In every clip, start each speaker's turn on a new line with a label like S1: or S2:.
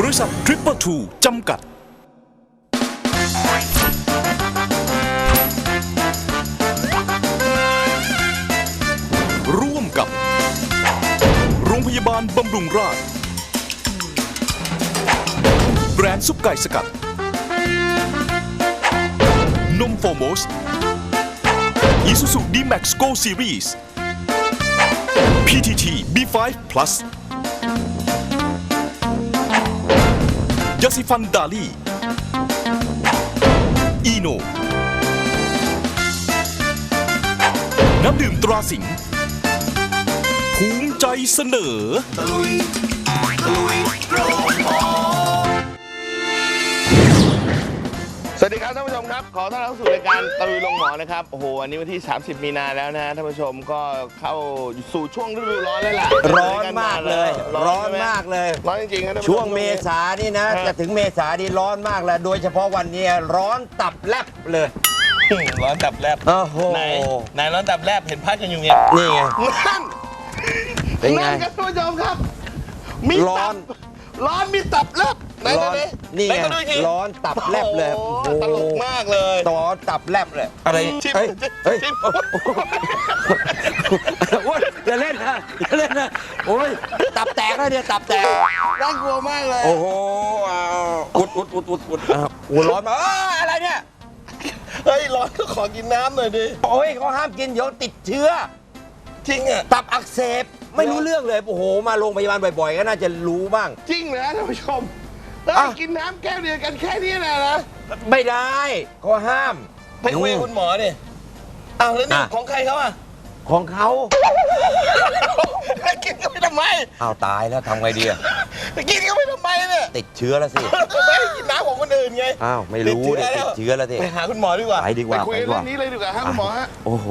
S1: ริษัททริปเปอร์ทูจำกัดร่วมกับโรงพยาบาลบำรุงราษฎร์แบรนด์ซุปไก่สกัดนมโฟโมสอิซูซุดีแม็กซ์โกซีรีส์ PTT B5 Plus ยาสีฟันดาลีอีโนน้ำดื่มตราสิงห์ภูมิใจเสนอ
S2: สวัสดีครับท่านผู้ชมครับขอต้อนรับสู่รายการตะลุยลงหมอนะครับโอ้โหวันนี้วันที่30มีนาแล้วนะท่านผู้ชมก็เข้าสู่ช่วงฤดูร้อนแล้วล่ะ
S3: ร้อนมากเลยร้อนมากเลย
S2: ร้อนจริงๆนะ
S3: ช่วงเมษานี่นะจะถึงเมษานี่ร้อนมากแล้วโดยเฉพาะวันนี้ร้อนตับแลบเลย
S2: ร้อนตับแลบ
S3: โอ้โห
S2: ไหนร้อนตับแลบเห็นพัดกันอยู่เนี่ย
S3: นี่ไง
S2: เป็นไงครับท่านผู้ชมครับมีตับร้อนมีตับแลบ
S3: ร้อนนี่ไงร้อนตับแลบเลย
S2: ตลกมากเลย
S3: ร้อนตับแลบเลยอะไร
S2: เฮ้ย
S3: อย่าเล่นนะอย่าเล่นนะโอ้ยตับแตกแล้วเนี่ยตับแตก
S2: น่ากลัวมากเลย
S3: โอ้โหอุดโอ้ร้อนมาอะไรเนี่ย
S2: เฮ้ยร้อนก็ขอกินน้ำหน่อยดิ
S3: โอ้ยเขาห้ามกินเดี๋ยวติดเชื้อ
S2: จริงอ่ะ
S3: ตับอักเสบไม่รู้เรื่องเลยโอ้โหมาโรงพยาบาลบ่อยๆก็น่าจะรู้บ้าง
S2: จริงเหรอท่านผู้ชมกินน้ำแก้วเดียวกันแค่นี้นะ
S3: ไม่ได้เขาห้าม
S2: ไปคุยกับคุณหมอดิอ้าวแล้วนี่ของใครเขาอ่ะ
S3: ของเขา
S2: กินก็ไม่ทำไม
S3: อ้าวตายแล้วทำไงดีอ่ะ
S2: กินก็ไม่ทำไมเนี่ย
S3: ติดเชื้อแล้วสิ
S2: ไม่กินน้ำของคนอื่นไง
S3: อ้าวไม่รู้ติดเชื้อแล้วสิ
S2: ไปหาคุณหมอดีกว่า
S3: ไปดีกว่า
S2: ไปคุยเรื่องนี้เลยดีกว่าฮะคุณหมอฮะ
S3: โอ้โห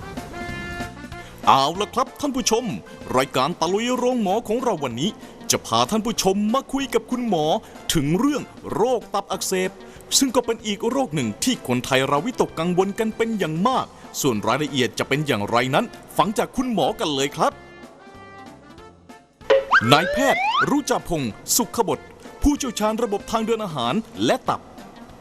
S1: เอาละครับท่านผู้ชมรายการตะลุยโรงหมอของเราวันนี้จะพาท่านผู้ชมมาคุยกับคุณหมอถึงเรื่องโรคตับอักเสบซึ่งก็เป็นอีกโรคหนึ่งที่คนไทยเราวิตกกังวลกันเป็นอย่างมากส่วนรายละเอียดจะเป็นอย่างไรนั้นฟังจากคุณหมอกันเลยครับนายแพทย์รุจาพงศ์สุขบดผู้เชี่ยวชาญระบบทางเดินอาหารและตับ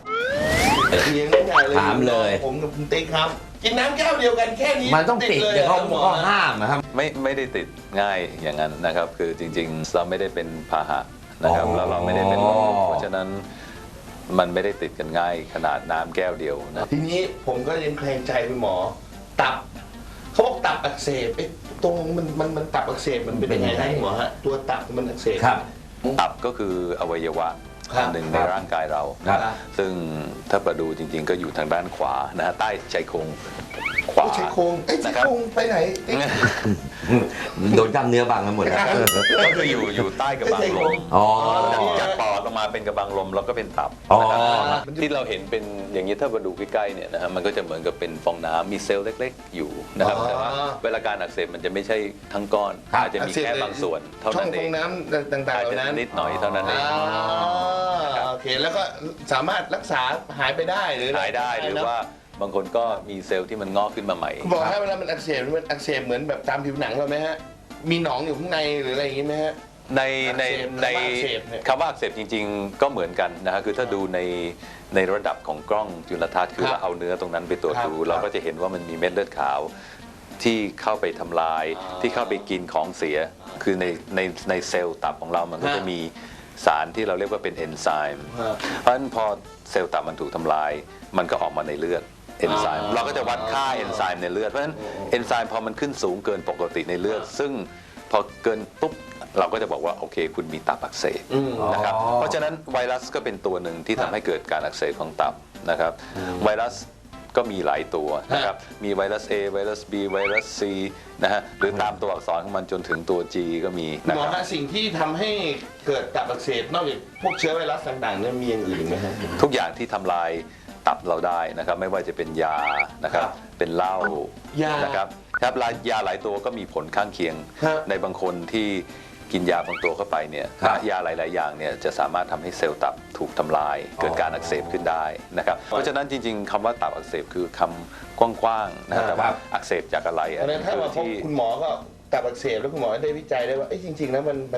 S3: ถามเลย
S2: ผมกับคุณติ๊กครับกินน้ำแก้วเดียวกันแค่นี้
S3: มันต้องติดแต่เขาห้ามนะครับ
S4: ไม่ได้ติดง่ายอย่างนั้นนะครับคือจริงๆเราไม่ได้เป็นพาหะนะครับเราไม่ได้เป็นโรคเพราะฉะนั้นมันไม่ได้ติดกันง่ายขนาดน้ำแก้วเดียวนะ
S2: ทีนี้ผมก็ยังแคลงใจคุณหมอตับเขาบอกตับอักเสบตรงมันตับอักเสบมันเป็นยังไงหมอฮะตัวตับมันอักเสบ
S4: ตับก็คืออวัยวะหนึ่งในร่างกายเราซึ่งถ้าประดูจริงๆก็อยู่ทางด้านขวานะฮะใต้ชายโครงขวา
S2: ชายโครงไปไหน
S3: โดนกล้ามเนื้อบางกันหมด
S4: ก็คืออยู่ใต้กระบังลมจากปอดลงมาเป็นกระบังลมแล้วก็เป็นตับที่เราเห็นเป็นอย่างนี้ถ้ามาดูใกล้ๆเนี่ยนะฮะมันก็จะเหมือนกับเป็นฟองน้ำมีเซลล์เล็กๆอยู่นะครับแต่ว่าเวลาการอักเสบมันจะไม่ใช่ทั้งก้อนอาจจะมีแค่บางส่วนเท่านั้นเอง
S2: ช่องฟองน้ำต่างๆอาจจะ
S4: นิดหน่อยเท่านั้นเอง
S2: โอเคแล้วก็สามารถรักษาหายไปได้หรือ
S4: หายได้หรือว่าบางคนก็มีเซลล์ที่มันงอกขึ้นมาใหม่
S2: บอกให้เวลามันอักเสบเหมือนแบบตามผิวหนังเราไหมฮะมีหนองอยู่ข้างในหรืออะไรอย่างงี้ไหมฮะ
S4: ในคำว่าอักเสบจริงๆก็เหมือนกันนะฮะคือถ้าดูในระดับของกล้องจุลทรรศน์คือเราเอาเนื้อตรงนั้นไปตรวจดูเราก็จะเห็นว่ามันมีเม็ดเลือดขาวที่เข้าไปทำลายที่เข้าไปกินของเสียคือในเซลล์ตับของเรามันก็จะมีสารที่เราเรียกว่าเป็นเอนไซม์เพราะฉะนั้นพอเซลล์ตับมันถูกทำลายมันก็ออกมาในเลือดเอนไซม์เราก็จะวัดค่าเอนไซม์ในเลือดเพราะฉะนั้นเอนไซม์พอมันขึ้นสูงเกินปกติในเลือดซึ่งพอเกินปุ๊บเราก็จะบอกว่าโอเคคุณมีตับอักเสบนะครับเพราะฉะนั้นไวรัสก็เป็นตัวหนึ่งที่ทำให้เกิดการอักเสบของตับนะครับไวรัสก็มีหลายตัวนะครับมีไวรัส A ไวรัส B ไวรัส C นะฮะหรือตามตัวอักษรของมันจนถึงตัว G ก็มี
S2: นะครับหมอฮะสิ่งที่ทำให้เกิดตับอักเสบนอกจากพวกเชื้อไวรัสต่างๆเนี่ยมีอย่างอื่นไหมฮะ
S4: ทุกอย่างที่ทำลายตับเราได้นะครับไม่ว่าจะเป็นยานะครับเป็นเหล้านะครับยาหลายตัวก็มีผลข้างเคียงในบางคนที่กินยาบางตัวเข้าไปเนี่ยยาหลายๆอย่างเนี่ยจะสามารถทำให้เซลล์ตับถูกทำลายเกิดการอักเสบขึ้นได้นะครับเพราะฉะนั้นจริงๆคำว่าตับอักเสบคือคำกว้างๆนะแต่ว่าอักเสบจากอะไร
S2: ถ้ามาพบคุณหมอก็ตับอักเสบแล้วคุณหมอได้วิจัยได้ว่าจริงๆแล้วมัน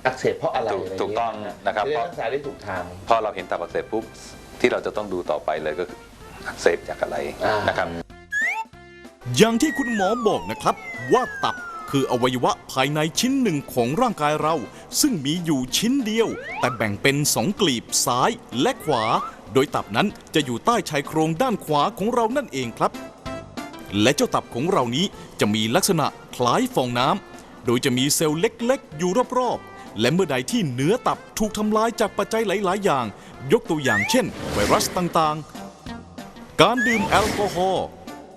S2: อักเสบเพราะอะไร
S4: ถูกต้องนะครับ
S2: จะได้รักษาได้ถูกทาง
S4: พอเราเห็นตับอักเสบปุ๊บที่เราจะต้องดูต่อไปเลยก็คืออักเสบจากอะไรนะครับ
S1: อย่างที่คุณหมอบอกนะครับว่าตับคืออวัยวะภายในชิ้นหนึ่งของร่างกายเรา ซึ่งมีอยู่ชิ้นเดียว แต่แบ่งเป็น2 กลีบซ้ายและขวา โดยตับนั้นจะอยู่ใต้ชายโครงด้านขวาของเรานั่นเองครับ และเจ้าตับของเรานี้จะมีลักษณะคล้ายฟองน้ำโดยจะมีเซลล์เล็กๆ อยู่รอบๆและเมื่อใดที่เนื้อตับถูกทำลายจากปัจจัยหลายๆ อย่าง ยกตัวอย่างเช่น ไวรัสต่างๆ การดื่มแอลกอฮอล์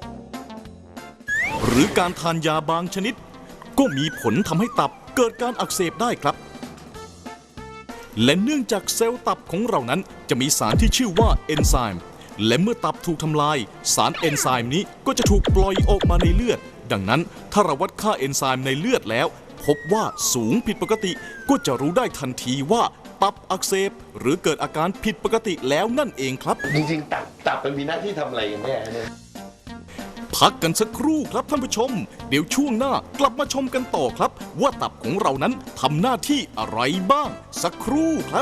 S1: หรือการทานยาบางชนิด ก็มีผลทำให้ตับเกิดการอักเสบได้ครับ และเนื่องจากเซลล์ตับของเรานั้นจะมีสารที่ชื่อว่าเอนไซม์และเมื่อตับถูกทำลายสารเอนไซม์นี้ก็จะถูกปล่อยออกมาในเลือด ดังนั้นถ้าเราวัดค่าเอนไซม์ในเลือดแล้วพบว่าสูงผิดปกติก็จะรู้ได้ทันทีว่าตับอักเสบหรือเกิดอาการผิดปกติแล้วนั่นเองครับ
S2: จริงๆตับมันมีหน้าที่ทำอะไรกันแน่เนี่ย
S1: พักกันสักครู่ครับท่านผู้ชม เดี๋ยวช่วงหน้ากลับมาชมกันต่อครับ ว่าตับของเรานั้นทำหน้าที่อะไรบ้าง สักครู่ครับ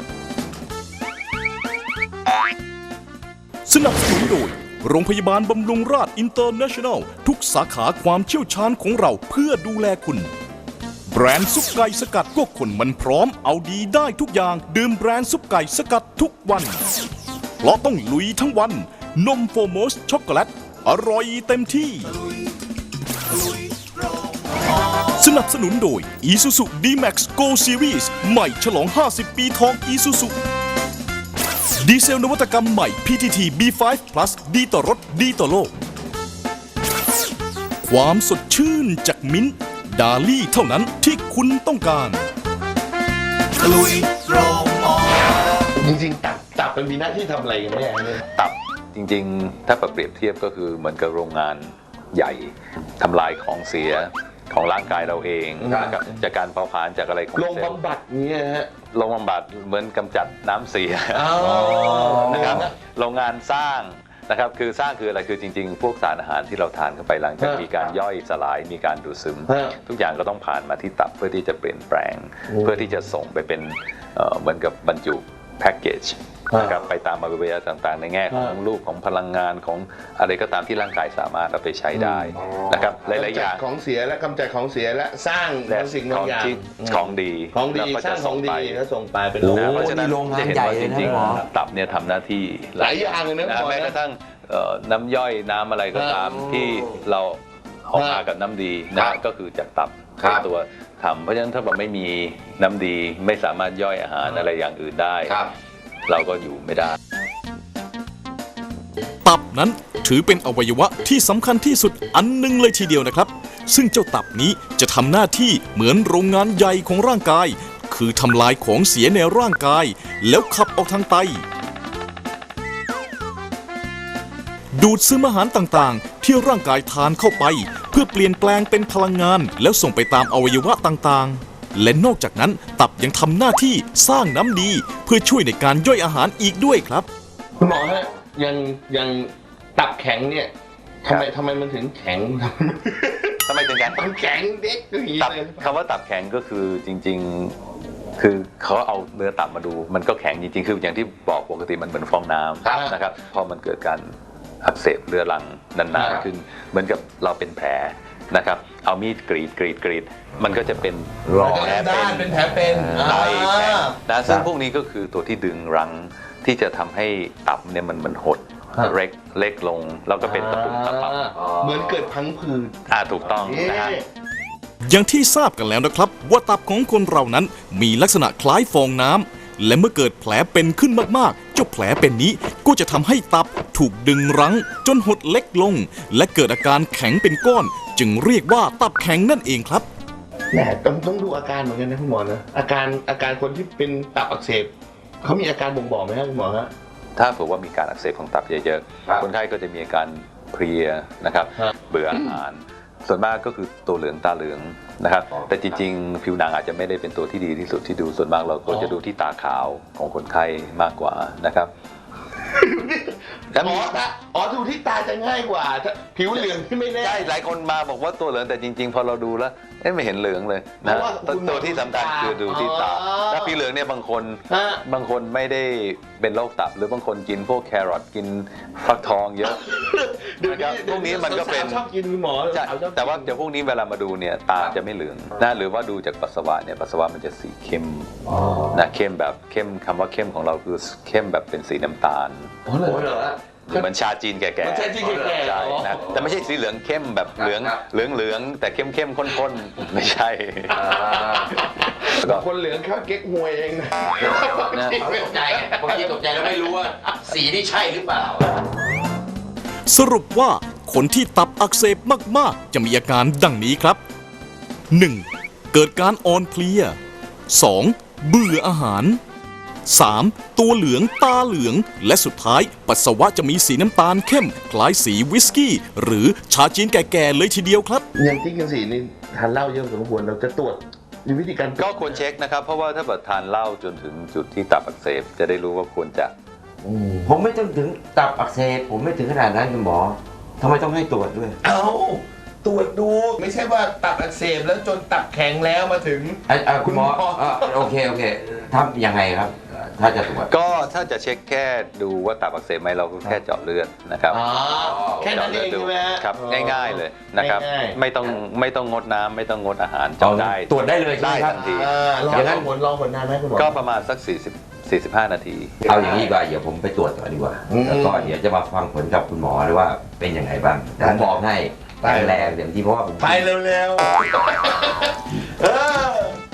S1: สนับสนุนโดยโรงพยาบาลบำรุงราษฎร์อินเตอร์เนชั่นแนลทุกสาขาความเชี่ยวชาญของเราเพื่อดูแลคุณ แบรนด์ซุปไก่สกัดก็คนมันพร้อมเอาดีได้ทุกอย่างดื่มแบรนด์ซุปไก่สกัดทุกวันเพราะต้องลุยทั้งวันนมโฟโมสช็อกโกแลตอร่อยเต็มที่ สนับสนุนโดย Isuzu D-Max Go Series ใหม่ฉลอง 50 ปีทอง Isuzu ดีเซลนวัตกรรมใหม่ PTT B5 Plus ดีต่อรถดีต่อโลก ความสดชื่นจากมิ้นท์ดาลี่เท่านั้นที่คุณต้องการ
S2: จริงๆตับมันมีหน้าที่ทำอะไรกันแน่เนี่ย
S4: ตับจริงๆ ถ้าเปรียบเทียบก็คือเหมือนกับโรงงานใหญ่ทำลายของเสียของร่างกายเราเองนะครับจากการเผาผลาญจากอะไรของ
S2: โรง
S4: เซลล์
S2: บำบัดเนี่ยฮะ
S4: โรงบำบัดเหมือนกำจัดน้ำเสียนะครับโรงงานสร้างนะครับคือสร้างคืออะไรคือจริงๆ พวกสารอาหารที่เราทานเข้าไปหลังจากมีการย่อยสลายมีการดูดซึม ทุกอย่างก็ต้องผ่านมาที่ตับเพื่อที่จะเปลี่ยนแปลง เพื่อที่จะส่งไปเป็นเหมือนกับบรรจุแพ็กเกจนะครับไปตามอวัยวะต่างๆ ในแง่ของรูปของพลังงานของอะไรก็ตามที่ร่างกายสามารถเอาไปใช้ได้นะครับหลายๆอย่าง
S2: ของเสียและกำจัดของเสียและสร้างบางสิ่งบางอย่าง
S4: ของดี
S2: ของดี
S4: แล้วก็
S2: สร้า
S4: จะ
S2: งของดีแล้วส่งไปเป็น
S4: นะเพราะฉะนั้น
S3: นี่โรงงาน
S4: จะเห็น
S3: ใหญ่
S4: ว่า
S3: เล
S4: จ
S3: ยนะ
S4: ริง
S3: หมอ
S4: ๆตับเนี่ยทำหน้าที่
S2: หลายอย่างเลยนะหมอ
S4: แม้กระทั่งน้ำย่อยน้ำอะไรก็ตามที่เราออกมากับน้ำดีนะก็คือจากตับเป็นตัวทำเพราะฉะนั้นถ้าเราไม่มีน้ำดีไม่สามารถย่อยอาหารอะไรอย่างอื่นได้ เราก็อยู่ไม่ได้
S1: ตับนั้นถือเป็นอวัยวะที่สำคัญที่สุดอันหนึงเลยทีเดียวนะครับ ซึ่งเจ้าตับนี้จะทำหน้าที่เหมือนโรงงานใหญ่ของร่างกาย คือทำลายของเสียในร่างกาย แล้วขับออกทางไต ดูดซึมอาหารต่างๆ ที่ร่างกายทานเข้าไป เพื่อเปลี่ยนแปลงเป็นพลังงานแล้วส่งไปตามอวัยวะต่างๆ และนอกจากนั้นตับยังทำหน้าที่สร้างน้ำดี เพื่อช่วยในการย่อยอาหารอีกด้วยครับ
S2: คุณหมอฮะยังตับแข็งเนี่ยทำไมมันถึงแข็ง
S4: ทำไมถึงกัน
S2: มันแข็งเด็กอย่างนี้
S4: ตับ
S2: เลย
S4: คำว่าตับแข็งก็คือจริงๆ คือเขาเอาเนื้อตับมาดู มันก็แข็งจริงๆ คืออย่างที่บอกปกติมันเหมือนฟองน้ำนะครับพอมันเกิดการอักเสบเรื้อรังนานๆขึ้น เหมือนกับเราเป็นแผลนะครับเอามีดกรีดมันก็จะเป็นแผล
S2: เป็นแผลเป็น
S4: ไตแข็งนะซึ่งพวกนี้ก็คือตัวที่ดึงรั้งที่จะทำให้ตับเนี่ยมันหดเล็กลงแล้วก็เป็นตะปุ่มตะปับ
S2: เหมือนเกิดพังผืด
S4: ถูกต้องนะฮะ
S1: อย่างที่ทราบกันแล้วนะครับว่าตับของคนเรานั้นมีลักษณะคล้ายฟองน้ำและเมื่อเกิดแผลเป็นขึ้นมากๆเจ้าแผลเป็นนี้ก็จะทำให้ตับถูกดึงรั้งจนหดเล็กลง และเกิดอาการแข็งเป็นก้อน จึงเรียกว่าตับแข็งนั่นเองครับ
S2: แหมต้องดูอาการเหมือนกันนะคุณหมอนะอาการคนที่เป็นตับอักเสบเขามีอาการบ่งบอกไหมครับคุณหมอฮะ
S4: ถ้าเผื่อว่ามีการอักเสบของตับเยอะๆ คนไข้ก็จะมีอาการเพลียนะครับ เบื่ออาหาร ส่วนมากก็คือตัวเหลืองตาเหลืองนะครับ แต่จริงๆ ผิวหนังอาจจะไม่ได้เป็นตัวที่ดีที่สุดที่ดู ส่วนมากเราก็จะดูที่ตาขาวของคนไข้มากกว่านะครับ
S2: ดูที่ตาจะง่ายกว่าผิวเหลืองที่ไม่แน่
S4: ใช่หลายคนมาบอกว่าตัวเหลืองแต่จริงๆ พอเราดูแล้วไม่เห็นเหลืองเลย
S2: เพ
S4: นะ
S2: ราะว่าคุณหมอ
S4: ตัวที่สำคัญคือดูที่ตา
S2: อ๋อ
S4: ถ้าสีเหลืองเนี่ยบางคน
S2: ฮะ
S4: ไม่ได้เป็นโรคตับ หรือบางคนกินพวกแครอทกินฟักทองเยอะ นะครับพวกนี้มันก็เป็น
S2: สาวๆชอบกินคุณหมอ
S4: ใช่
S2: สาวๆชอบกิน
S4: แต่ว่าเดี๋ยวพวกนี้เวลามาดูเนี่ยตาจะไม่เหลืองนะหรือว่าดูจากปัสสาวะเนี่ยปัสสาวะมันจะสีเข้มนะเข้มแบบเข้มคำว่าเข้มของเราคือเข้มแบบเป็นสีน้ำตาล
S2: โอ้เหรอ
S4: เหมือนชาจีนแก่ๆ
S2: เหมือนชาจีนแก่ๆ
S4: ใช่
S2: อ๋อ
S4: นะแต่ไม่ใช่สีเหลืองเข้มแบบเหลืองแต่เข้มข้นๆไม่ใช่
S2: บางคนเหลืองข้าวเก๊กฮวยเองนะ
S3: เขาตกใจไงบางทีตกใจแล้วไม่รู้ว่าสีนี่ใช่หรือเปล่า
S1: สรุปว่าคนที่ตับอักเสบมากๆ จะมีอาการดังนี้ครับ 1. เกิดการอ่อนเพลีย 2. เบื่ออาหาร 3. ตัวเหลืองตาเหลือง และสุดท้ายปัสสาวะจะมีสีน้ำตาลเข้ม คล้ายสีวิสกี้ หรือชาจีนแก่ๆเลยทีเดียวครับ
S2: อย่างที่กันสีนี่ทานเหล้าเยอะสมควรเราจะตรวจมีวิธีการ
S4: ก็ควรเช็คนะครับ เพราะว่าถ้าเกิดทานเหล้าจนถึงจุดที่ตับอักเสบจะได้รู้ว่าควรจะ
S3: ผมไม่ต้องถึงตับอักเสบผมไม่ถึงขนาดนั้นคุณหมอทำไมต้องให้ตรวจด้วย
S2: เอาตรวจดูไม่ใช่ว่าตับอักเสบแล้วจนตับแข็งแล้วมาถึง
S3: คุณหมอโอเคทำยังไงครับ ถ้าจะตรวจ
S4: ก็ถ้าจะเช็คแค่ดูว่าตับอักเสบไหมเราก็แค่เจาะเลือดนะครับ
S2: อ๋อแค่นั้นเอง
S4: จาะลืดดู
S2: ใช่ไหมฮะ
S4: ครับง่ายๆเลยนะครับ
S2: ง่ายๆ
S4: ไม่ต้องงดน้ำไม่ต้องงดอาหารเจาะได้
S3: ตรวจได้เลยใช่ไหมครับ
S4: ทันที
S2: รอ
S3: อย่างนั้น
S2: รอผลนานไหมคุณหมอ
S4: ก็ประมาณสัก45 นาที
S3: เอาอย่างนี้ดีกว่าเดี๋ยวผมไปตรวจก่อนดีกว่า
S2: อืม
S3: แล้วก็เดี๋ยวจะมาฟังผลกับคุณหมอด้วยว่าเป็นยังไงบ้างผมบอกให้
S2: ได้
S3: แข็งแรงเต็มที่เพราะว่าผม
S2: ไปเร็วๆเออ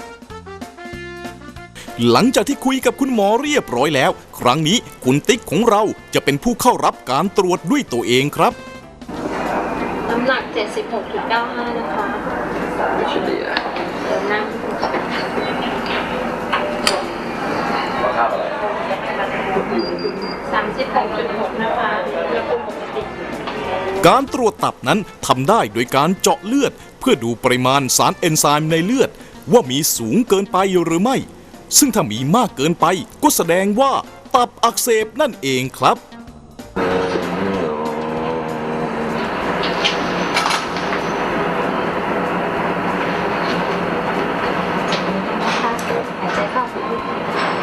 S1: หลังจากที่คุยกับคุณหมอเรียบร้อยแล้ว ครั้งนี้คุณติ๊กของเราจะเป็นผู้เข้ารับการตรวจด้วยตัวเองครับ
S5: น้ำหนัก 76.95 นะคะเดี๋ยวนั่ง 36.6 นะคะอุณหภูมิปกติ
S1: การตรวจตับนั้นทำได้โดยการเจาะเลือด เพื่อดูปริมาณสารเอนไซม์ในเลือด ว่ามีสูงเกินไปหรือไม่ ซึ่งถ้ามีมากเกินไปก็แสดงว่าตับอักเสบนั่นเองครับ
S5: นะคะหายใจเข้าลึก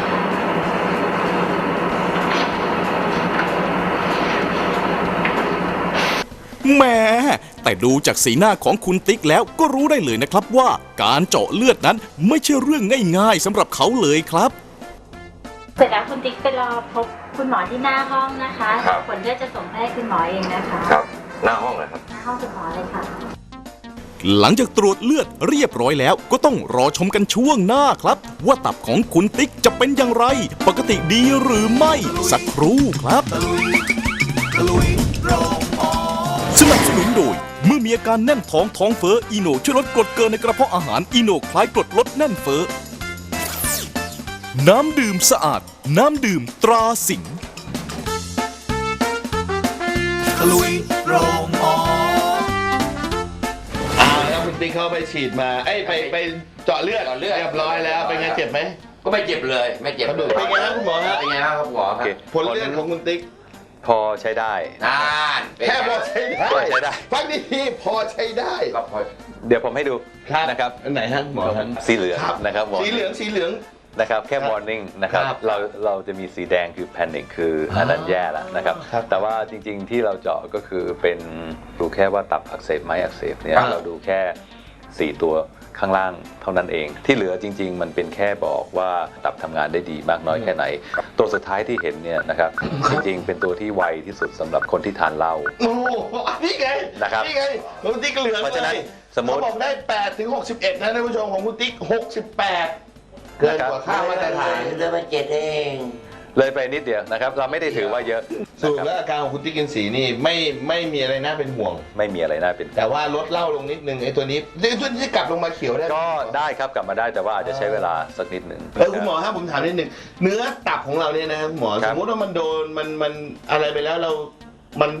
S1: แหมแต่ดูจากสีหน้าของคุณติ๊กแล้วก็รู้ได้เลยนะครับว่าการเจาะเลือดนั้นไม่ใช่เรื่องง่ายๆสำหรับเขาเลยครับ
S5: เสร็จแล้วคุณติ๊กไปรอพบคุณหมอที่หน้าห้องนะคะผลเลือดจะส่งไปให้คุณหมอเองนะคะ
S3: ครับหน้าห้องเลยครับ
S5: หน้าห้องคุณหมอเลยค่ะ
S1: หลังจากตรวจเลือดเรียบร้อยแล้วก็ต้องรอชมกันช่วงหน้าครับ ว่าตับของคุณติ๊กจะเป็นอย่างไร ปกติดีหรือไม่สักครู่ครับ สนับสนุนโดยเมื่อมีอาการแน่นท้องเฟ้ออีโนช่วยลดกรดเกินในกระเพาะอาหารอีโนคล้ายกรดลดแน่นเฟ้อน้ำดื่มสะอาด น้ำดื่มตราสิงห์
S2: แล้วคุณติ๊กเขาไปฉีดมาไปเจาะเลือดเรียบร้อยแล้วเป็นไงเจ็บไหม
S3: ก็ไม่เจ็บเลยไม่เจ็บเลย
S2: เป็นไงครับคุณหมอฮะ
S3: เป็นไงครับคุณหมอครับ
S2: ผลเลือดของคุณติ๊ก
S4: พอใช้ได้
S3: นานเป็นไง
S2: แค่พอใช้ได้
S4: พอใช้ได้
S2: ฟังดีๆพอใช้ได้
S3: ก็พอ
S4: เดี๋ยวผมให้ดูนะครับ
S2: อันไหนฮะคุณหมอครับ
S4: สีเหลืองนะครับ
S2: สีเหลือง
S4: นะครับแค่ warning นะครับ
S2: ครับ
S4: เราจะมีสีแดงคือ panic คืออันนั้นแย่แล้วนะครับ
S2: ครับ
S4: แต่ว่าจริงๆที่เราเจาะก็คือเป็นดูแค่ว่าตับอักเสบไหมอักเสบเนี่ย
S2: ครับ
S4: เราดูแค่ 4 ตัวข้างล่างเท่านั้นเอง ที่เหลือจริง ๆ มันเป็นแค่บอกว่าตับทำงานได้ดีมากน้อยแค่ไหน ตัวสุดท้ายที่เห็นเนี่ยนะครับจริงๆ เป็นตัวที่ไวที่สุดสำหรับคนที่ทานเหล้า
S2: โอ้โหนี่ไง
S4: นะครับ
S2: นี่ไงของคุณติ๊กเหลือง
S4: เพราะฉะนั้น
S2: เลย
S4: สมมุติ
S2: เขาบอกได้8ถึง61นะท่านผู้ชมของคุณติ๊ก68 เกินกว่าค่ามาตรฐาน
S3: เรื่องมาเจ็ดเอง
S4: เลยไปนิดเดียวนะครับเราไม่ได้ถือว่าเยอะ
S2: สรุป
S4: นะครับ
S2: แล้วอาการของคุณติ๊กกินสีนี่ไม่มีอะไรน่าเป็นห่วง
S4: ไม่มีอะไรน่าเป็น
S2: แต่ว่าลดเหล้าลงนิดนึงไอ้ตัวนี้ตัวนี้จะกลับลงมาเขียวได้ไหม
S4: ก็ได้ครับกลับมาได้แต่ว่าอาจจะใช้เวลาสักนิดหนึ่ง
S2: คุณหมอครับผมถามนิดนึงเนื้อตับของเราเนี่ยนะครับคุณหมอ
S4: ครั
S2: ส
S4: บ
S2: มมติว่ามันโดนมันอะไรไปแล้วมัน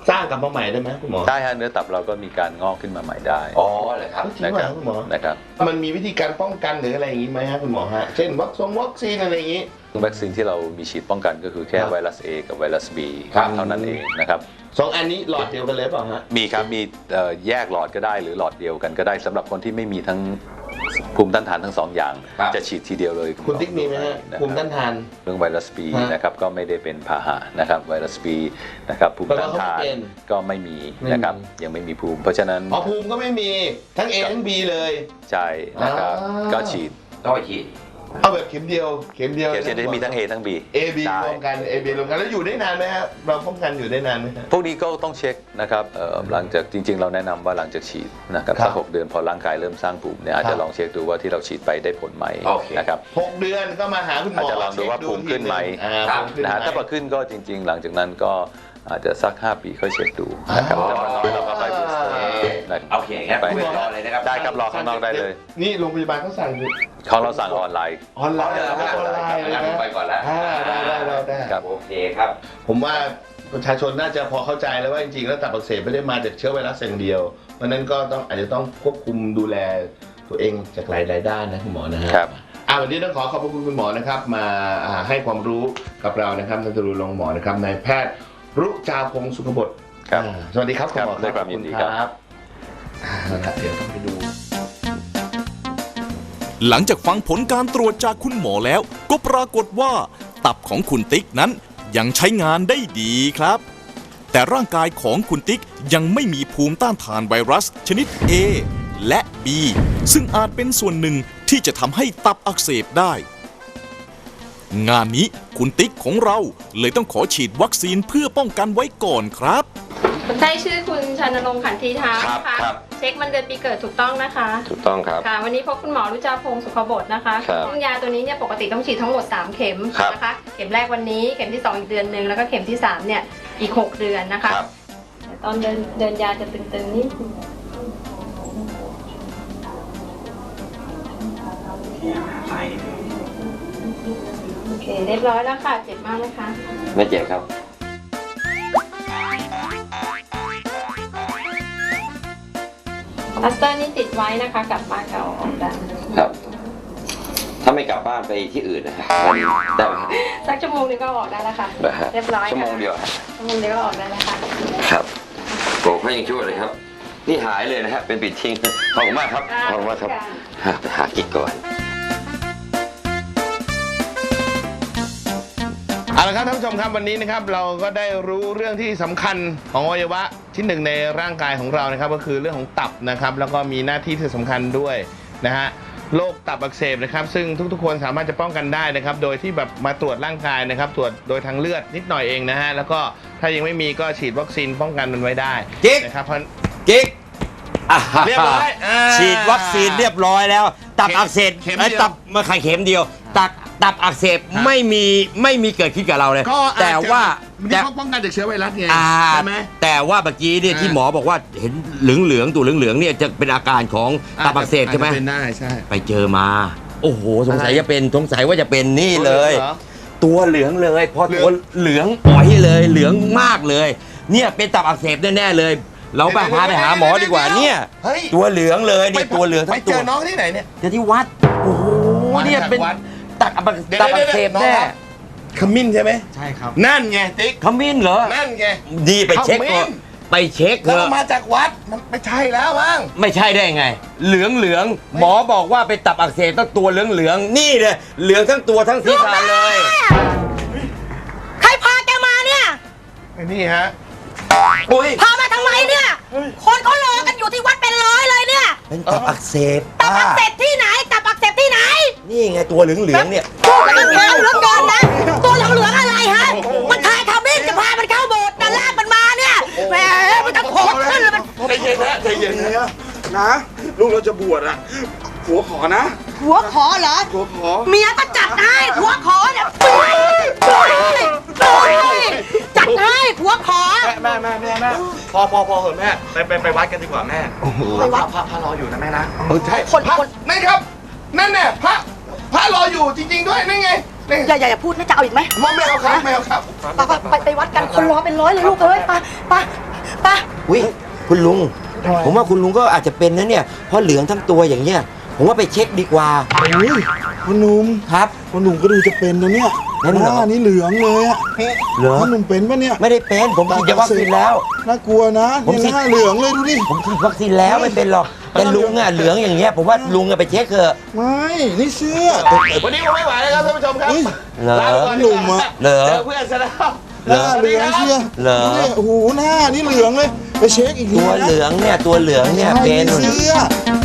S2: สร้างกลับมาใหม่ได้ไหมคุณหมอ
S4: ได้ฮะเนื้อตับเราก็มีการงอกขึ้นมาใหม่ได้
S2: อ๋อเหรอครับจริง
S4: นะ
S2: เห
S4: ค
S2: ร
S4: รั
S2: อบ คุณหมอ
S4: นะครับ
S2: มันมีวิธีการป้องกันหรืออะไรอย่างนี้ไหมฮะคุณหมอฮะเช่นวัคซีนอะไรอย่างนี้
S4: วัคซีนที่เรามีฉีดป้องกันก็คือแค่
S2: ครับ
S4: ไวรัส A กับไวรัส B
S2: ครับ
S4: เท่านั้นเองนะครับ
S2: 2 อันนี้หลอดเดียวกันเลยเปล่าฮะ
S4: มีครับมีแยกหลอดก็ได้หรือหลอดเดียวกันก็ได้สำหรับคนที่ไม่มีทั้งภูมิต้านทานทั้งสองอย่าง
S2: ครับ
S4: จะฉีดทีเดียวเลย
S2: คุณติ๊กมีไหมฮะ
S4: นะครับ
S2: ภูมิต้านทาน
S4: เรื่องไวรัส B
S2: ฮะ
S4: นะครับก็ไม่ได้เป็นพาหะนะครับไวรัส B นะครับภูมิต้านทาน
S2: แปลว่าเขาไม่เป็น
S4: ก็ไม่มีนะครับยังไม่มีภูมิ เพราะฉะนั้น
S2: อ๋อภูมิก็ไม่มีทั้ง A ทั้ง B เลย
S4: ใช่นะครับ
S2: อ่า
S4: ก็ฉีด
S6: ต้องไปฉีด
S2: เอาแบบเข็มเดียวเข็มเดียว
S4: เข็มจะมีทั้ง A ทั้ง B
S2: A B
S4: ใช่
S2: รวมกัน A B รวมกันแล้วอยู่ได้นานไหมฮะเราป้องกันอยู่ได้นานไหมฮะ
S4: พวกนี้ก็ต้องเช็คนะครับหลังจากจริง ๆ เราแนะนำว่าหลังจากฉีดนะครับ
S2: ครับ
S4: สัก6 เดือนพอร่างกายเริ่มสร้างภูมิเนี่ยอาจ
S2: ครั
S4: จะ
S2: บ
S4: ลองเช็คดูว่าที่เราฉีดไปได้ผลไหม
S6: โอเค
S4: นะครับ
S2: 6 เดือนก็มาหาคุณหมอ
S4: อาจจะลองดูว่าภูมิขึ้นไหม
S2: ภูมิขึ้น
S4: นะ
S2: ไห
S4: ฮะ
S2: ม
S4: ถ้าพอขึ้นก็จริง ๆ หลังจากนั้นก็อาจจะสัก 5 ปีค่อยเช็คดูนะครับ
S2: อ๋อ
S4: แต่ว่าน้อยเราก็ค่อยบูสเตอร์นะ
S6: โอเคครับ
S4: ไป
S6: คุณหมอรอเลยนะครับ
S4: ได้ครับรอข้างนอกได้เลย
S2: นี่โรงพยาบาลเขาสั่งอยู่
S4: ของเราสั่งออนไลน์
S2: ออนไลน์
S6: เดี๋ยวเรา
S2: ออนไลน์
S6: งั้นผมไปก่อนแล้ว
S2: ได้
S4: ครับ
S6: โอเคครับ
S2: ผมว่าประชาชนน่าจะพอเข้าใจแล้วว่าจริงๆแล้วตับอักเสบไม่ได้มาจากเชื้อไวรัสอย่างเดียว เพราะฉะนั้นก็อาจจะต้องควบคุมดูแลตัวเองจากหลายๆด้านนะคุณหมอนะฮะ
S4: ครับ
S2: วันนี้ต้องขอขอบคุณคุณหมอนะครับมาให้ความรู้กับเรานะครับท่านจรูลงค์หมอนะครับนายแพทย์รุจาพงศ์สุขบด
S4: ครับ
S2: สวัสดีครับคุณหมอ
S4: ด้วยความยินดีครับ
S2: ขอณเอาละเดี๋ยวต้องไปดู
S1: หลังจากฟังผลการตรวจจากคุณหมอแล้ว ก็ปรากฏว่า ตับของคุณติ๊กนั้นยังใช้งานได้ดีครับ แต่ร่างกายของคุณติ๊กยังไม่มีภูมิต้านทานไวรัสชนิด A และ B ซึ่งอาจเป็นส่วนหนึ่งที่จะทำให้ตับอักเสบได้ งานนี้คุณติ๊กของเราเลยต้องขอฉีดวัคซีนเพื่อป้องกันไว้ก่อนครับ
S7: คนไข้ชื่อคุณชานรงค์ขันธีท้า
S6: ครับ
S7: นะคะ
S6: ครับ
S7: เช็ควันเดือนปีเกิดถูกต้องนะคะ
S6: ถูกต้องครับ
S7: ค่ะ วันนี้พบคุณหมอรุจาพงศ์สุขบดนะคะ
S6: ครับ
S7: ซึ่งยาตัวนี้เนี่ยปกติต้องฉีดทั้งหมด 3 เข็ม
S6: ครับ
S7: นะคะ เข็มแรกวันนี้ เข็มที่ 2 อีกเดือนหนึ่งแล้วก็เข็มที่ 3 เนี่ยอีก 6 เดือนนะคะ
S6: ครับ
S7: แต่ตอนเดินยาจะตึงๆนิดนึงโอเคเรียบร้อยแล้วค่ะ เจ็บมากไหมคะ
S6: ไม่เจ็บครับ
S7: พลาสเตอร์นี่ติดไว้นะคะกลับบ้านก็เอาออกได้
S6: ครับ ถ้าไม่กลับบ้านไปที่อื่นนะฮะได้ไหมครับ
S7: สักชั่วโมงนึงก็ออกได้แล้วค่ะ
S6: นะฮะ
S7: เรียบร้อย
S6: ชั่วโม
S7: ค่ะ
S6: งเดียวฮะ
S7: ชั่วโมงเดียวก็ออกได้แล้วค่ะ
S6: ครับโปรดให้ยังช่วยเลยครับ นี่หายเลยนะฮะ เป็นปิดทิ้ง ขอบคุณมากครับ ขอบคุณมากครับไปหากิ๊กก่อน
S2: เอาละครับท่านผู้ชมครับวันนี้นะครับเราก็ได้รู้เรื่องที่สำคัญของอวัยวะชิ้นหนึ่งในร่างกายของเรานะครับก็คือเรื่องของตับนะครับแล้วก็มีหน้าที่ที่สำคัญด้วยนะฮะโรคตับอักเสบนะครับซึ่งทุกๆคนสามารถจะป้องกันได้นะครับโดยที่แบบมาตรวจร่างกายนะครับตรวจโดยทางเลือดนิดหน่อยเองนะฮะแล้วก็ถ้ายังไม่มีก็ฉีดวัคซีนป้องกันมันไว้ได้
S3: กิ๊ก
S2: นะครับเพราะ
S3: กิ๊ก
S2: เรียบร้อยา
S3: ฉีดวัคซีนเรียบร้อยแล้ว ตับอักเสบ
S2: เข็ม
S3: ไอ้
S2: เดียว
S3: ตับมาไข่เข็มเดียว ตับอักเสบไม่มีเกิดขึ้นกับเราเลย
S2: ก็อาจจะ
S3: แต่ว่า
S2: นี่เขาป้องกันจากเชื้อไวรัสไง
S3: อ่า
S2: ใช่ไหม
S3: แต่ว่าเมื่อกี้เนี่ย
S2: อ่า
S3: ที่หมอบอกว่าเห็นเหลืองตัวเหลืองเนี่ยจะเป็นอาการของตับอักเสบใช่ไหม
S2: อาจจะเป็นได้ใช่
S3: ไปเจอมา โอ้โหสงสัย
S2: อะไร
S3: จะเป็นสงสัยว่าจะเป็นนี่เลย
S2: หรอ
S3: ตัวเหลืองเลยพอ
S2: เหลื
S3: ตั
S2: อ
S3: ว
S2: ง
S3: เหลืองอ๋อยเลยเหลืองมากเลย เนี่ยเป็นตับอักเสบแน่ๆเลย เราไปพาไปหาหมอดีกว่าเนี่ย
S2: เฮ้ย
S3: ตัวเหลืองเลยเนี่ยตัวเหลืองทั้ง
S2: ไป
S3: ตั
S2: เจ
S3: ว
S2: อน้องที่ไหนเนี่ย
S3: เจอที่วัดโอ้โห
S2: มาจาก
S3: เนี่ยเป็น
S2: วัด
S3: ตับอักเสบแน่
S2: ขมิ้นใช่ไหม
S8: ใช่ครับ
S2: นั่นไงติ๊ก
S3: ขมิ้นเหรอ
S2: นั่นไง
S3: ดีไปเช็ค
S2: ขมิ้
S3: ก่อน
S2: น
S3: ไปเช็คเถ
S2: แล้ว
S3: อะ
S2: มาจากวัดมันไม่ใช่แล้วมั้ง
S3: ไม่ใช่ได้ไง เหลืองหมอบอกว่าเป็นตับอักเสบต้องตัวเหลืองนี่เลยเหลืองทั้งตัวทั้งศีรษะเลย
S9: ใครพาแกมาเนี่ย
S2: ไอ้นี่ฮะ
S3: อุ้ย
S9: พามาทำไมเนี่ย คนเขารอกันอยู่ที่วัดเป็นร้อยเลยเนี่ย
S3: เป็นตับอักเสบ
S9: ตับอักเสบที่ไหน ตับอักเสบที่ไหน
S3: นี่ไงตัวเหลืองเนี่ย
S9: แล้วมันแข็งเหลือเกินนะ ตัวเหลืองๆอะไรฮะ มันทายทำนี่จะพามันเข้าโบสถ์แต่ลากมันมาเนี่ย แหมมันจะโผล่ขึ้นเลยมัน
S2: ใจเย็นนะใจเย็นนะ
S8: นะลูกเราจะบวชอะผัวขอนะ
S9: หัวขอเหรอ
S8: ผัวขอ
S9: เมียก็จัดให้หัวขอเนี่ยจัดให้หัวขอ
S8: แม่พอเหอะแม่ไปวัดกันดีกว่าแม่
S9: ไปวัด
S8: พระรออยู่นะแม่นะ
S2: ใช่
S9: คน
S2: พระนั่นครับ นั่นแน่พระรออยู่จริง ๆ ด้วยนั่นไงนี่
S9: อย่าพูดนะจะเอาอีกไหม
S2: ไม่เอาครับไม่เอาครับ
S9: ไปวัดกันคนรอเป็นร้อยเลยลูกเอ้ยไป
S3: อุ้ยคุณลุง ผมว่าคุณลุงก็อาจจะเป็นนะเนี่ยเพราะเหลืองทั้งตัวอย่างเงี้ยผมว่าไปเช็คดีกว่า
S10: โอ้ยพ่อหนุ่ม
S3: ครับ
S10: พ่อหนุ่มก็ดูจะเป็นนะเนี่ย
S3: นั่นเหรอ
S10: หน้านี่เหลืองเลยอะ
S3: เหรอ
S10: พ่อหนุ่มเป็นปะเนี่ย
S3: ไม่ได้เป็นผมฉีดวัคซีนแล้ว
S10: น่ากลัวนะ
S3: ผมฉี
S10: เนี่ย
S3: ด
S10: หน้าเหลืองเลยดูดิ
S3: ผมฉีดวัคซีนแล้วไม่เป็นหรอกแต่ลุงอ่ะเหลืองอย่างเงี้ยผมว่าลุงอะไปเช็คเถอะ
S10: ไม่นี่เสื้อ
S2: วันนี้ผมไม่ไหวแล้วครับท่านผู้ชมครับ
S10: เฮ้ย
S3: เหรอ
S2: ลาไปก่อน
S10: หนุ่มอะ
S3: เหรอ
S2: เจอเพื่อนซะแล้ว
S10: หน้าเหลืองเชียว
S3: เหรอ
S10: ดูดิโอ้โหหน้านี่เหลืองเลยไปเช็คอีกที
S3: ตัว
S10: นะ
S3: เหลืองเนี่ยตัวเหลืองเนี่ย
S10: ใช่
S3: เป็น
S10: เสื้อ